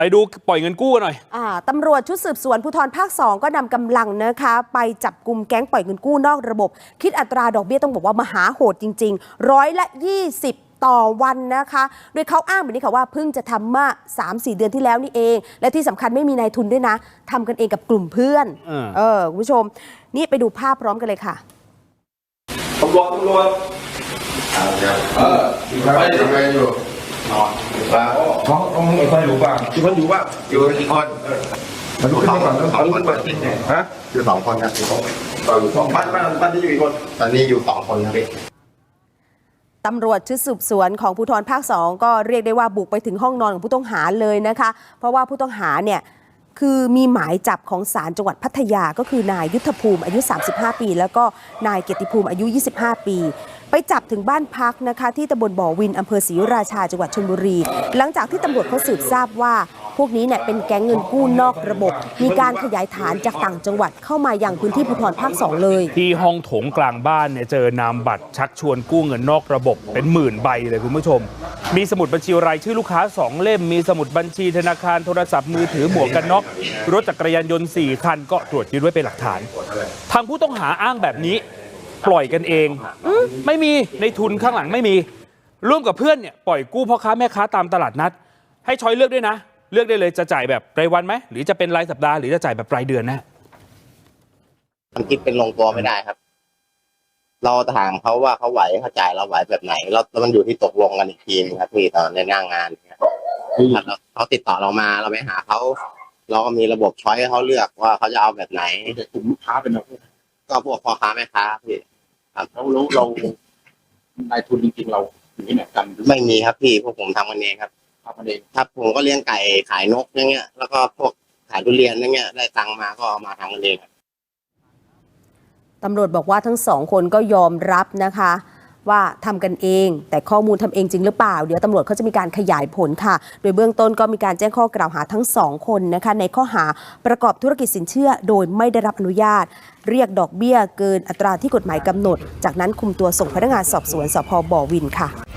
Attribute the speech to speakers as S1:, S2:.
S1: ไปดูปล่อยเงินกู้กันหน่อย
S2: ตำรวจชุดสืบสวนภูธรภาค 2ก็นำกำลังนะคะไปจับกุมแก๊งปล่อยเงินกู้นอกระบบคิดอัตราดอกเบี้ยต้องบอกว่ามหาโหดจริงๆ120ต่อวันนะคะโดยเขาอ้างแบบนี้ค่ะว่าเพิ่งจะทำมา 3-4 เดือนที่แล้วนี่เองและที่สำคัญไม่มีนายทุนด้วยนะทำกันเองกับกลุ่มเพื่อนคุณผู้ชมนี่ไปดูภาพพร้อมกันเลยค่ะ
S3: ตำรวจอยู่ไหนอยู่นอนเขาไม่ค่อยรู้บ้างที่คนอยู่ว่าอยู่กี่คนมาดูขึ้นมาก่อนเขาเปิดทิ้งไงฮะอยู่2 คนครับบ้านที่อยู่กี่คนตอนนี้อยู่2 คนครับ
S2: ตำรวจชุดสืบสวนของภูธรภาค 2ก็เรียกได้ว่าบุกไปถึงห้องนอนของผู้ต้องหาเลยนะคะเพราะว่าผู้ต้องหาเนี่ยคือมีหมายจับของศาลจังหวัดพัทยาก็คือนายยุทธภูมิอายุ35 ปีแล้วก็นายเกียรติภูมิอายุ25 ปีไปจับถึงบ้านพักนะคะที่ตำบลบ่อวินอำเภอศรีราชาจังหวัดชลบุรีหลังจากที่ตำรวจเขาสืบทราบว่าพวกนี้เนี่ยเป็นแก๊งเงินกู้นอกระบบมีการขยายฐานจากต่างจังหวัดเข้ามายังพื้นที่ภูธรภาค 2เลย
S1: ที่ห้องโถงกลางบ้านเนี่ยเจอนามบัตรชักชวนกู้เงินนอกระบบเป็น10,000 ใบเลยคุณผู้ชมมีสมุดบัญชีรายชื่อลูกค้า2 เล่มมีสมุดบัญชีธนาคารโทรศัพท์มือถือหมวกกันน็อกรถจักรยานยนต์4 คันก็ตรวจยึดไว้เป็นหลักฐานทางผู้ต้องหาอ้างแบบนี้ปล่อยกันเองไม่มีในทุนข้างหลังไม่มีร่วมกับเพื่อนเนี่ยปล่อยกู้พ่อค้าแม่ค้าตามตลาดนัดให้ช้อยเลือกด้วยนะเลือกได้เลยจะจ่ายแบบรายวันไหมหรือจะเป็นรายสัปดาห์หรือจะจ่ายแบบรายเดือนนะ
S4: มันคิดเป็นลงตัวไม่ได้ครับเราถามเขาว่าเขาไหวเขาจ่ายเราไหวแบบไหนแล้วมันอยู่ที่ตกลงกันอีกทีนึงครับพี่ตอนในหน้างานเขาติดต่อเรามาเราไปหาเขาเราก็มีระบบช้อยให้เขาเลือกว่าเขาจะเอาแบบไหน
S3: กลุ่มลูกค้าเป็นอะไร
S4: ก็พวกพ่อค้าแม่ค้าพี่
S3: ครับเรานายทุนจริงๆเราอยู่ที่ไหนกัน
S4: ไม่มีครับพี่พวกผมทำกันเองครับ
S3: ครับ
S4: ผมก็เลี้ยงไก่ขายนกอย่างเงี้ยแล้วก็พวกขายทุเรียนอย่างเงี้ยได้ตังมาก็เอามาทำกันเอง
S2: ตำรวจบอกว่าทั้ง2 คนก็ยอมรับนะคะว่าทำกันเองแต่ข้อมูลทำเองจริงหรือเปล่าเดี๋ยวตำรวจเขาจะมีการขยายผลค่ะโดยเบื้องต้นก็มีการแจ้งข้อกล่าวหาทั้ง2 คนนะคะในข้อหาประกอบธุรกิจสินเชื่อโดยไม่ได้รับอนุญาตเรียกดอกเบี้ยเกินอัตราที่กฎหมายกำหนดจากนั้นคุมตัวส่งพนักงานสอบสวนสภ.บ่อวินค่ะ